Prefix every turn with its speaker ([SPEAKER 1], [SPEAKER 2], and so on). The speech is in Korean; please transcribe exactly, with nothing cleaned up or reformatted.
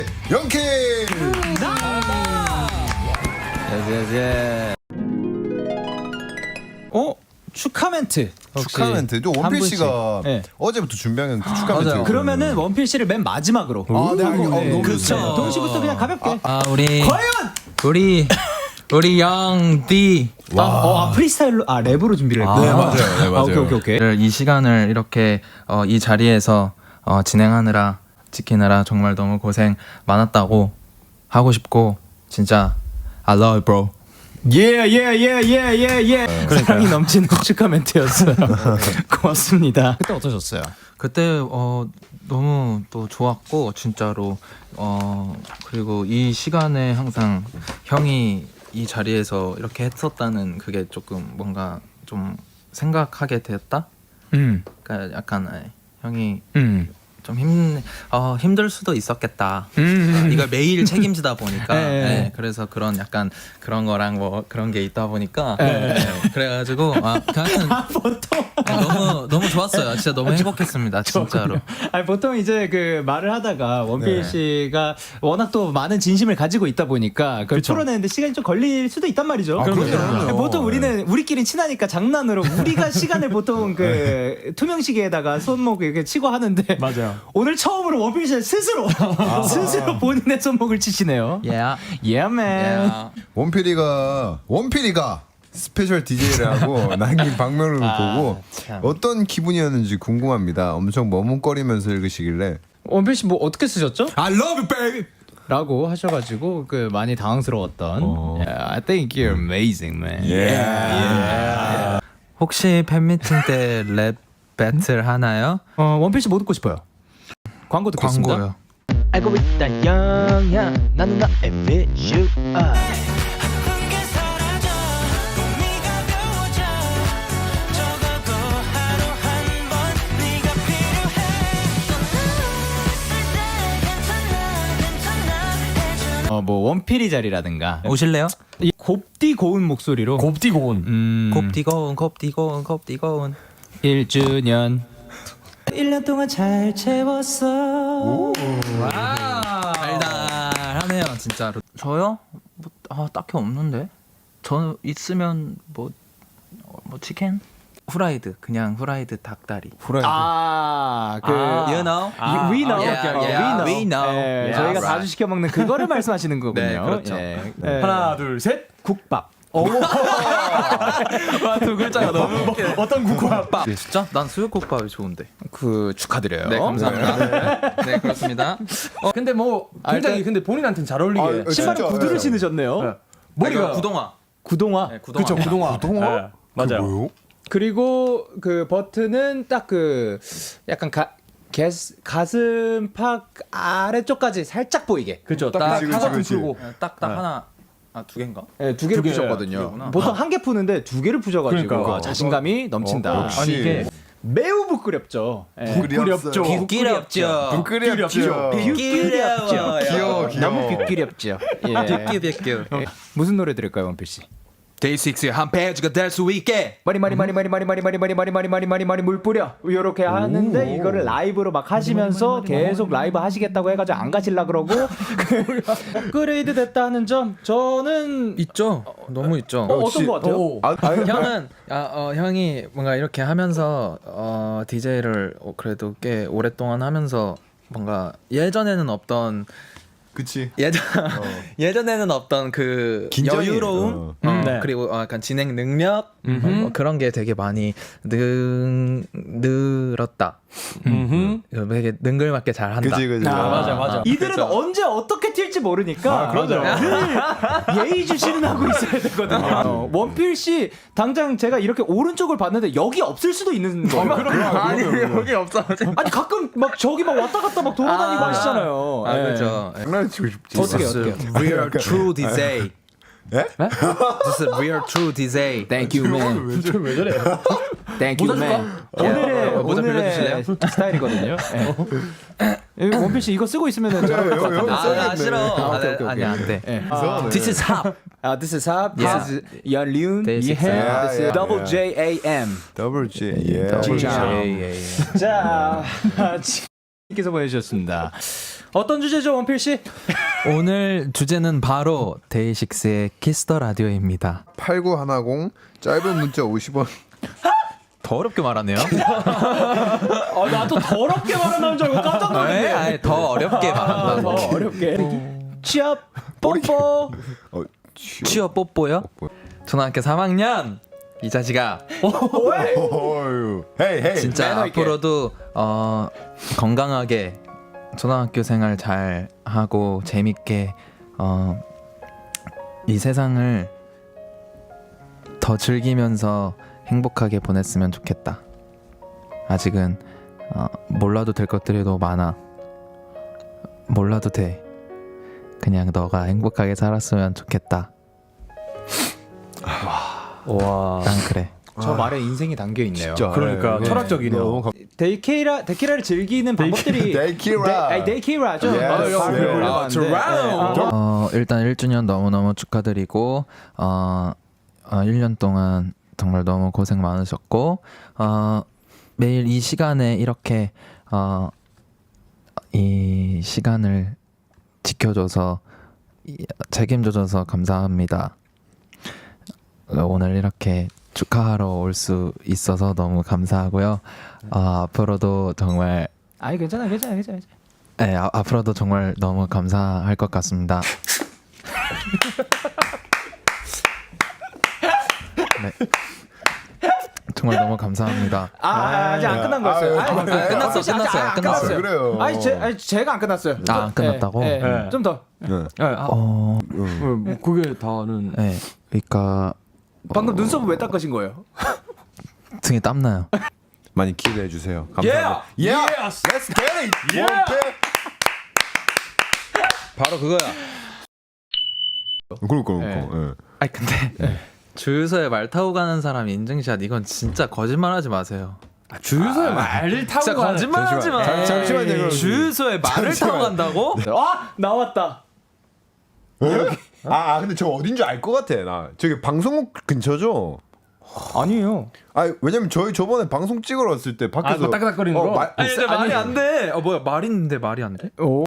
[SPEAKER 1] 영케.
[SPEAKER 2] 예예예. 어? 축하 멘트.
[SPEAKER 1] 축하 멘트. 또 원필 씨가
[SPEAKER 2] 네.
[SPEAKER 1] 어제부터 준비한 그 축하 멘트.
[SPEAKER 2] 맞아요. 그러면은 원필 씨를 맨 마지막으로.
[SPEAKER 1] 아, 네, 알겠, 어, 너무
[SPEAKER 2] 그렇죠.
[SPEAKER 1] 좋습니다.
[SPEAKER 2] 도훈 씨부터 그냥 가볍게.
[SPEAKER 3] 아 우리
[SPEAKER 2] 과연.
[SPEAKER 3] 우리 우리 영디
[SPEAKER 2] 아, 어, 아, 프리스타일로 아 랩으로 준비를 했구나.
[SPEAKER 1] 네, 맞아요. 네, 맞아요.
[SPEAKER 2] 아, 오케이 오케이 오케이.
[SPEAKER 3] 이 시간을 이렇게 어, 이 자리에서 어, 진행하느라 지키느라 정말 너무 고생 많았다고 하고 싶고 진짜 I love you bro.
[SPEAKER 2] 예예예예예예. 사랑이 넘치는 축하 멘트였어요. 고맙습니다. 그때 어떠셨어요?
[SPEAKER 3] 그때 어, 너무 또 좋았고 진짜로 어, 그리고 이 시간에 항상 형이 이 자리에서 이렇게 했었다는 그게 조금 뭔가 좀 생각하게 되었다.
[SPEAKER 2] 음.
[SPEAKER 3] 그러니까 약간 아, 형이
[SPEAKER 2] 음.
[SPEAKER 3] 좀 힘, 어, 힘들 수도 있었겠다.
[SPEAKER 2] 음.
[SPEAKER 3] 이걸 매일 책임지다 보니까
[SPEAKER 2] 네.
[SPEAKER 3] 네, 그래서 그런 약간 그런 거랑 뭐 그런 게 있다 보니까
[SPEAKER 2] 네.
[SPEAKER 3] 네, 그래가지고 아, 그냥
[SPEAKER 2] 아 보통.
[SPEAKER 3] 아, 너무 너무 좋았어요. 진짜 너무 행복했습니다. 진짜로.
[SPEAKER 2] 아니 보통 이제 그 말을 하다가 원필
[SPEAKER 1] 네.
[SPEAKER 2] 씨가 워낙 또 많은 진심을 가지고 있다 보니까 그걸 풀어내는데 시간이 좀 걸릴 수도 있단 말이죠.
[SPEAKER 1] 아, 그럼요.
[SPEAKER 2] 그럼요. 보통 우리는 우리끼리 친하니까 장난으로 우리가 시간을 보통 그 투명시계에다가 손목 이렇게 치고 하는데
[SPEAKER 4] 맞아요.
[SPEAKER 2] 오늘 처음으로 원필 씨 스스로 스스로 본인의 손목을 치시네요.
[SPEAKER 3] Yeah.
[SPEAKER 2] Yeah man.
[SPEAKER 3] Yeah.
[SPEAKER 1] 원필이가 원필이가 스페셜 디제이를 하고 남긴 방명록을
[SPEAKER 2] 아,
[SPEAKER 1] 보고
[SPEAKER 2] 참.
[SPEAKER 1] 어떤 기분이었는지 궁금합니다. 엄청 머뭇거리면서 읽으시길래
[SPEAKER 2] 원필 씨 뭐 어떻게 쓰셨죠?
[SPEAKER 1] I love you, baby.
[SPEAKER 2] 라고 하셔가지고 그 많이 당황스러웠던. Yeah, I think you're amazing, man.
[SPEAKER 1] Yeah.
[SPEAKER 3] 혹시 팬미팅 때 랩 배틀 하나요?
[SPEAKER 2] 어 원필 씨 뭐 듣고 싶어요? 광고 듣겠습니다.
[SPEAKER 3] 광고요.
[SPEAKER 5] 알고 있다 영야 나는 나의 비주얼
[SPEAKER 2] 어 뭐 원필이 자리라든가
[SPEAKER 3] 오실래요?
[SPEAKER 2] 이 곱디 고운 목소리로
[SPEAKER 4] 곱디 고운.
[SPEAKER 2] 음,
[SPEAKER 3] 곱디고운 곱디고운 곱디고운.
[SPEAKER 2] 일 주년 일 년 동안 잘 채웠어.
[SPEAKER 3] 달달하네요 진짜로. 저요? 뭐 아, 딱히 없는데. 저 있으면 뭐 뭐 치킨? 후라이드 그냥 후라이드 닭다리.
[SPEAKER 1] 후라이드.
[SPEAKER 2] 아그
[SPEAKER 3] You know?
[SPEAKER 2] we know,
[SPEAKER 3] Yeah,
[SPEAKER 2] 어,
[SPEAKER 3] yeah,
[SPEAKER 2] we
[SPEAKER 3] we know.
[SPEAKER 2] 예,
[SPEAKER 3] Yeah,
[SPEAKER 2] 저희가
[SPEAKER 3] right.
[SPEAKER 2] 자주 시켜 먹는 그거를 말씀하시는 거군요.
[SPEAKER 3] 네, 그렇죠.
[SPEAKER 2] 예. 예.
[SPEAKER 4] 하나 둘 셋.
[SPEAKER 2] 국밥.
[SPEAKER 3] 두 글자가 너무 웃겨.
[SPEAKER 4] 어떤 국밥?
[SPEAKER 3] 진짜? 난 수육국밥이 좋은데.
[SPEAKER 2] 그 축하드려요.
[SPEAKER 3] 네 감사합니다. 네 그렇습니다.
[SPEAKER 4] 어 근데 뭐 굉장히
[SPEAKER 2] 일단-
[SPEAKER 4] 근데 본인한테는 잘 어울리게.
[SPEAKER 1] 아, 어,
[SPEAKER 2] 신발에
[SPEAKER 1] 진짜,
[SPEAKER 2] 구두를
[SPEAKER 1] 예.
[SPEAKER 2] 신으셨네요.
[SPEAKER 4] 네.
[SPEAKER 3] 머리가
[SPEAKER 4] 머리가
[SPEAKER 3] 구동화.
[SPEAKER 2] 구동화.
[SPEAKER 3] 네, 구동화.
[SPEAKER 4] 그렇죠 구동화.
[SPEAKER 1] 구동화?
[SPEAKER 4] 네, 맞아요.
[SPEAKER 1] 뭐요?
[SPEAKER 2] 그리고 그 버튼은 딱 그 약간 가, 게스, 가슴팍 아래쪽까지 살짝 보이게.
[SPEAKER 4] 그렇죠.
[SPEAKER 1] 딱
[SPEAKER 4] 딱
[SPEAKER 1] 그치,
[SPEAKER 4] 하나
[SPEAKER 1] 그치,
[SPEAKER 4] 풀고.
[SPEAKER 3] 딱딱
[SPEAKER 4] 네.
[SPEAKER 3] 하나 아 두 개인가?
[SPEAKER 2] 네, 두 개를
[SPEAKER 4] 두 개,
[SPEAKER 2] 푸셨거든요.
[SPEAKER 3] 두 개구나.
[SPEAKER 2] 보통 한 개 푸는데 두 개를 푸셔가지고
[SPEAKER 4] 그러니까.
[SPEAKER 2] 아, 자신감이 넘친다.
[SPEAKER 1] 어, 역시.
[SPEAKER 2] 아니 이게 매우 부끄럽죠. 예.
[SPEAKER 4] 부끄럽죠.
[SPEAKER 3] 부끄럽죠.
[SPEAKER 1] 부끄럽죠.
[SPEAKER 2] 부끄럽죠.
[SPEAKER 1] 귀여워, 귀여워.
[SPEAKER 2] 너무 부끄럽죠. 예.
[SPEAKER 3] 뷰뷰뷰.
[SPEAKER 2] 무슨 노래 들을까요, 원필 씨?
[SPEAKER 3] 데이식스의 한 페이지가 될 수 있게.
[SPEAKER 2] 마리 마리 마리 마리 마리 마리 마리 마리 마리 마리 마리 마리 마리 물 뿌려 이렇게 하는데 이거를 라이브로 막 하시면서 계속 라이브 하시겠다고 해가지고 안 가실라 그러고 업그레이드 됐다 하는 점 저는
[SPEAKER 3] 있죠. 너무 있죠.
[SPEAKER 2] 어, 어떤 거 같아요?
[SPEAKER 4] 오.
[SPEAKER 1] 아, 아니,
[SPEAKER 3] 형은 아, 어, 형이 뭔가 이렇게 하면서 어, 디제이를 어, 그래도 꽤 오랫동안 하면서 뭔가 예전에는 없던
[SPEAKER 1] 그치.
[SPEAKER 3] 예전 예전에는 없던 그
[SPEAKER 1] 긴장이,
[SPEAKER 3] 여유로움
[SPEAKER 1] 어.
[SPEAKER 3] 어,
[SPEAKER 4] 음, 네.
[SPEAKER 3] 그리고 어, 약간 진행 능력 어, 뭐 그런 게 되게 많이 능 늘었다.
[SPEAKER 4] 음흠.
[SPEAKER 3] 되게 능글맞게 잘 한다.
[SPEAKER 1] 그치, 그치.
[SPEAKER 2] 아,
[SPEAKER 4] 맞아, 맞아.
[SPEAKER 2] 이들은
[SPEAKER 3] 그렇죠.
[SPEAKER 2] 언제 어떻게 튈지 모르니까
[SPEAKER 1] 아, 그럼요.
[SPEAKER 2] 늘 예의주시는 하고 있어야 되거든요. 어, 원필 씨 당장 제가 이렇게 오른쪽을 봤는데 여기 없을 수도 있는 거예요.
[SPEAKER 3] 아니 여기 없어.
[SPEAKER 2] 아니 가끔 막 저기 막 왔다 갔다 막 돌아다니고
[SPEAKER 3] 아,
[SPEAKER 2] 하시잖아요.
[SPEAKER 3] 아
[SPEAKER 2] 예.
[SPEAKER 3] 그렇죠.
[SPEAKER 1] 장난치고 싶지.
[SPEAKER 2] 어떻게 어떻게?
[SPEAKER 3] Real true 디제이.
[SPEAKER 1] 예?
[SPEAKER 3] This is real true 디제이.
[SPEAKER 2] Thank you man.
[SPEAKER 1] 왜 저래?
[SPEAKER 4] 왜 저래?
[SPEAKER 2] Thank you man. 오늘의
[SPEAKER 3] 어, 모자
[SPEAKER 2] 오늘의
[SPEAKER 3] 빌려주실래요?
[SPEAKER 2] 스타일이거든요. 예. 원필 씨 이거 쓰고 있으면 잘할 것 같은데.
[SPEAKER 3] 아, 아
[SPEAKER 1] 써야겠네.
[SPEAKER 3] 싫어.
[SPEAKER 2] 아,
[SPEAKER 3] 아,
[SPEAKER 2] 오케이,
[SPEAKER 3] 네,
[SPEAKER 2] 오케이,
[SPEAKER 3] 아니 안 돼.
[SPEAKER 2] 예.
[SPEAKER 1] 이상하네.
[SPEAKER 3] This is hop.
[SPEAKER 2] 아, this is Hop. This
[SPEAKER 3] Yeah.
[SPEAKER 2] is 연륜.
[SPEAKER 3] This is
[SPEAKER 2] 이해.
[SPEAKER 1] Hop.
[SPEAKER 2] This is
[SPEAKER 1] Yeah,
[SPEAKER 2] Double
[SPEAKER 1] yeah.
[SPEAKER 2] J A M.
[SPEAKER 1] 더블 G. 예.
[SPEAKER 2] 더블 G.
[SPEAKER 3] 예, 예, 예.
[SPEAKER 2] 자, 지께서 보내주셨습니다. 어떤 주제죠, 원필 씨?
[SPEAKER 3] 오늘 주제는 바로 데이식스의 키스터 라디오입니다.
[SPEAKER 1] 팔구일공 짧은 문자 오십 원.
[SPEAKER 3] 더 어렵게 말하네요.
[SPEAKER 2] 아, 나도 더럽게 말하는 줄 알고 깜짝 놀랐네.
[SPEAKER 3] 네, 아니, 더 어렵게
[SPEAKER 2] 아, 더
[SPEAKER 3] 말한다고.
[SPEAKER 2] 어렵게. 취업 뽀뽀.
[SPEAKER 1] 어,
[SPEAKER 3] 취업 뽀뽀요? 초등학교 삼 학년 이 자식아.
[SPEAKER 1] 어휴. 헤이 헤이.
[SPEAKER 3] 진짜
[SPEAKER 2] 매너 있게.
[SPEAKER 3] 앞으로도 어, 건강하게 초등학교 생활 잘 하고 재밌게 어, 이 세상을 더 즐기면서 행복하게 보냈으면 좋겠다. 아직은 어, 몰라도 될 것들이 너무 많아. 몰라도 돼. 그냥 너가 행복하게 살았으면 좋겠다.
[SPEAKER 2] 와.
[SPEAKER 3] 난 그래.
[SPEAKER 2] 저 말에 인생이 담겨 있네요.
[SPEAKER 1] 진짜.
[SPEAKER 4] 그러니까
[SPEAKER 1] 네.
[SPEAKER 4] 철학적이네요.
[SPEAKER 1] 너무 감-
[SPEAKER 2] 데이케이라 데키라를 즐기는 방법들이
[SPEAKER 1] 데이키라.
[SPEAKER 2] 데, 아니 데이케이라죠.
[SPEAKER 1] Yes.
[SPEAKER 2] 아,
[SPEAKER 1] Yes.
[SPEAKER 2] 발음을
[SPEAKER 1] Yes.
[SPEAKER 2] 올려봤는데.
[SPEAKER 4] Yes.
[SPEAKER 2] 네. 아,
[SPEAKER 3] 어, 일단 일 주년 너무너무 축하드리고 어, 어, 일 년 동안 정말 너무 고생 많으셨고 어, 매일 이 시간에 이렇게 어, 이 시간을 지켜줘서 이- 책임져줘서 감사합니다. 어, 오늘 이렇게 축하하러 올 수 있어서 너무 감사하고요. 어, 앞으로도 정말
[SPEAKER 2] 아니 괜찮아, 괜찮아, 괜찮아. 괜찮아.
[SPEAKER 3] 네, 아, 앞으로도 정말 너무 감사할 것 같습니다. 네. 정말 너무 감사합니다.
[SPEAKER 2] 아, 아, 아직 안 끝난 거였어요.
[SPEAKER 1] 아유,
[SPEAKER 2] 아니,
[SPEAKER 1] 아유,
[SPEAKER 3] 끝났어,
[SPEAKER 2] 아직 안
[SPEAKER 3] 끝났어요,
[SPEAKER 2] 안
[SPEAKER 3] 끝났어요.
[SPEAKER 1] 아, 그래요.
[SPEAKER 2] 아니, 제, 아니 제가 안 끝났어요.
[SPEAKER 3] 아, 안 끝났다고?
[SPEAKER 2] 예, 예.
[SPEAKER 4] 네.
[SPEAKER 2] 좀 더.
[SPEAKER 1] 네.
[SPEAKER 4] 네, 아,
[SPEAKER 3] 어,
[SPEAKER 4] 뭐 그게 다는
[SPEAKER 3] 네, 그러니까
[SPEAKER 2] 방금 눈썹을 왜 닦으신 거예요?
[SPEAKER 3] 등에 땀 나요.
[SPEAKER 1] 많이 기대해 주세요. 감사합니다.
[SPEAKER 4] Yeah.
[SPEAKER 1] Yeah. Let's get it.
[SPEAKER 4] Yeah.
[SPEAKER 1] 원패.
[SPEAKER 3] 바로 그거야.
[SPEAKER 1] 그럴까
[SPEAKER 2] 네.
[SPEAKER 1] 그럴까. 예.
[SPEAKER 3] 아니 근데 주유소에 말 타고 가는 사람 인증샷 이건 진짜 거짓말하지 마세요.
[SPEAKER 4] 아, 주유소에 말을 타고
[SPEAKER 3] 진짜
[SPEAKER 4] 가는-
[SPEAKER 3] 거짓말하지 마.
[SPEAKER 1] 잠시만. 잠시만요, 그럼.
[SPEAKER 3] 주유소에 말을
[SPEAKER 1] 잠시만.
[SPEAKER 3] 타고 간다고?
[SPEAKER 2] 아 나왔다.
[SPEAKER 1] 아, 아 근데 저 어딘지 알 것 같아. 나 저기 방송국 근처죠.
[SPEAKER 2] 아니에요.
[SPEAKER 1] 아 왜냐면 저희 저번에 방송 찍으러 왔을 때 밖에서
[SPEAKER 4] 아, 그 따ቅ따ቅ거리는
[SPEAKER 1] 어,
[SPEAKER 4] 거?
[SPEAKER 1] 말-
[SPEAKER 3] 아니, 근데 말이 안 돼. 어 뭐야 말 있는데 말이 안 돼?
[SPEAKER 2] 오.